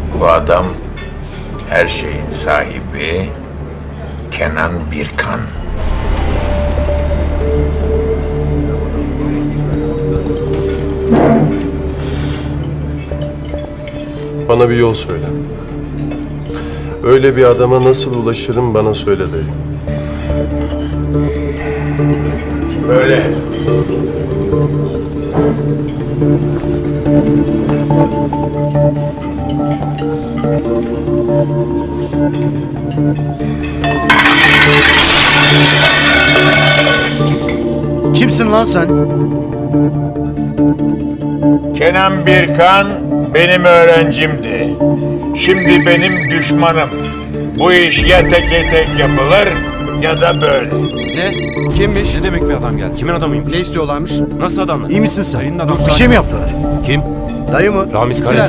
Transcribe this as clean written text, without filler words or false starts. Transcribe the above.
Bu adam her şeyin sahibi Kenan Birkan. Bana bir yol söyle. Öyle bir adama nasıl ulaşırım bana söyle dayı. Böyle. Kimsin lan sen? Kenan Birkan benim öğrencimdi. Şimdi benim düşmanım. Bu iş ya teke tek yapılır ya da böyle. Ne? Kimmiş? Ne demek bir adam geldi? Kimin adamıyım? Ne istiyorlarmış? Nasıl adamlar? İyi misin sen? Dayının adamı. Bir şey mi yaptılar? Kim? Dayı mı? Ramiz Gittiler